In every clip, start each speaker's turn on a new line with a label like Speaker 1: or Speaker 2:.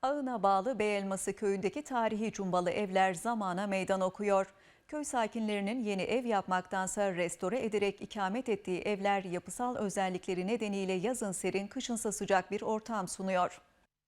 Speaker 1: Ağına bağlı Beyelması köyündeki tarihi cumbalı evler zamana meydan okuyor. Köy sakinlerinin yeni ev yapmaktansa restore ederek ikamet ettiği evler yapısal özellikleri nedeniyle yazın serin, kışınsa sıcak bir ortam sunuyor.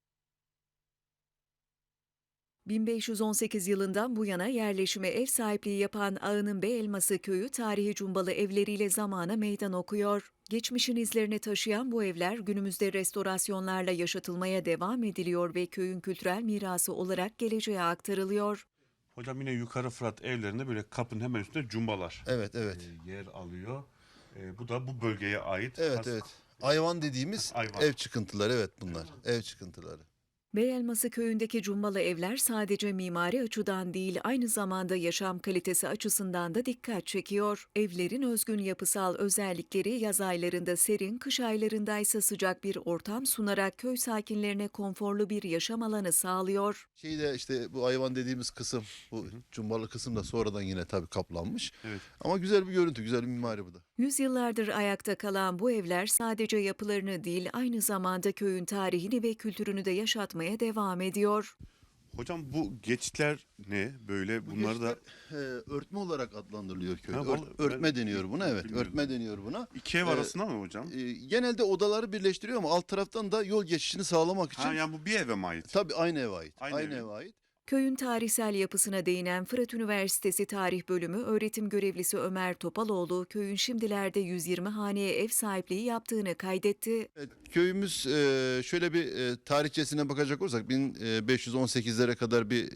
Speaker 1: 1518 yılından bu yana yerleşime ev sahipliği yapan Ağının Beyelması köyü tarihi cumbalı evleriyle zamana meydan okuyor. Geçmişin izlerini taşıyan bu evler günümüzde restorasyonlarla yaşatılmaya devam ediliyor ve köyün kültürel mirası olarak geleceğe aktarılıyor.
Speaker 2: Hocam yine Yukarı Fırat evlerinde böyle kapının hemen üstünde cumbalar
Speaker 3: Evet, evet.
Speaker 2: yer alıyor. Bu da bu bölgeye ait.
Speaker 3: Evet, evet. Ayvan dediğimiz
Speaker 2: Ayvan.
Speaker 3: ev çıkıntıları, evet bunlar. Ev çıkıntıları.
Speaker 1: Beyelması köyündeki cumbalı evler sadece mimari açıdan değil, aynı zamanda yaşam kalitesi açısından da dikkat çekiyor. Evlerin özgün yapısal özellikleri yaz aylarında serin, kış aylarında ise sıcak bir ortam sunarak köy sakinlerine konforlu bir yaşam alanı sağlıyor.
Speaker 3: Şeyde işte bu ayvan dediğimiz kısım, bu cumbalı kısım da sonradan yine tabii kaplanmış.
Speaker 2: Evet.
Speaker 3: Ama güzel bir görüntü, güzel bir mimari bu da.
Speaker 1: Yüzyıllardır ayakta kalan bu evler sadece yapılarını değil, aynı zamanda köyün tarihini ve kültürünü de yaşatmaya devam ediyor.
Speaker 2: Hocam bu geçitler ne böyle? Bunları da
Speaker 3: Örtme olarak adlandırılıyor köyde.
Speaker 2: Ha, vallahi
Speaker 3: Örtme
Speaker 2: ben
Speaker 3: deniyor buna, evet.
Speaker 2: bilmiyordum.
Speaker 3: Örtme deniyor buna.
Speaker 2: iki ev arasında mı hocam?
Speaker 3: Genelde odaları birleştiriyor ama alt taraftan da yol geçişini sağlamak için.
Speaker 2: Ha, yani bu bir eve mi ait?
Speaker 3: Tabii aynı eve ait.
Speaker 2: Aynı
Speaker 3: Aynı
Speaker 2: eve.
Speaker 3: eve ait.
Speaker 1: Köyün tarihsel yapısına değinen Fırat Üniversitesi Tarih Bölümü öğretim görevlisi Ömer Topaloğlu, köyün şimdilerde 120 haneye ev sahipliği yaptığını kaydetti.
Speaker 3: Evet, köyümüz şöyle bir tarihçesine bakacak olursak 1518'lere kadar bir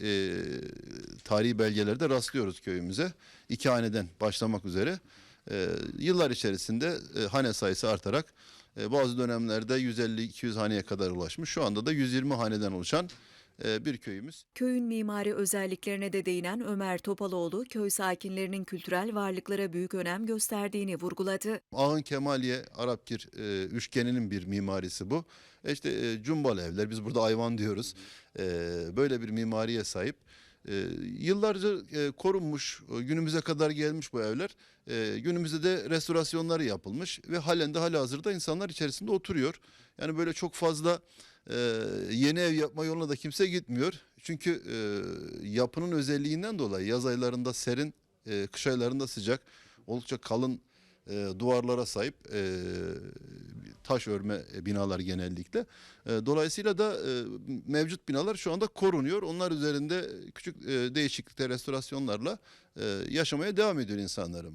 Speaker 3: tarihi belgelerde rastlıyoruz köyümüze. 2 haneden başlamak üzere. Yıllar içerisinde hane sayısı artarak bazı dönemlerde 150-200 haneye kadar ulaşmış. Şu anda da 120 haneden oluşan bir köyümüz.
Speaker 1: Köyün mimari özelliklerine de değinen Ömer Topaloğlu, köy sakinlerinin kültürel varlıklara büyük önem gösterdiğini vurguladı.
Speaker 3: Ağın Kemaliye Arapkir üçgeninin bir mimarisi bu. İşte cumbalı evler, biz burada ayvan diyoruz. Böyle bir mimariye sahip. Yıllarca korunmuş, günümüze kadar gelmiş bu evler. Günümüzde de restorasyonları yapılmış ve halen de halihazırda insanlar içerisinde oturuyor. Yani böyle çok fazla yeni ev yapma yoluna da kimse gitmiyor. Çünkü yapının özelliğinden dolayı yaz aylarında serin, kış aylarında sıcak, oldukça kalın duvarlara sahip taş örme binalar genellikle. Dolayısıyla da mevcut binalar şu anda korunuyor. Onlar üzerinde küçük değişiklikler, restorasyonlarla yaşamaya devam ediyor insanlarımız.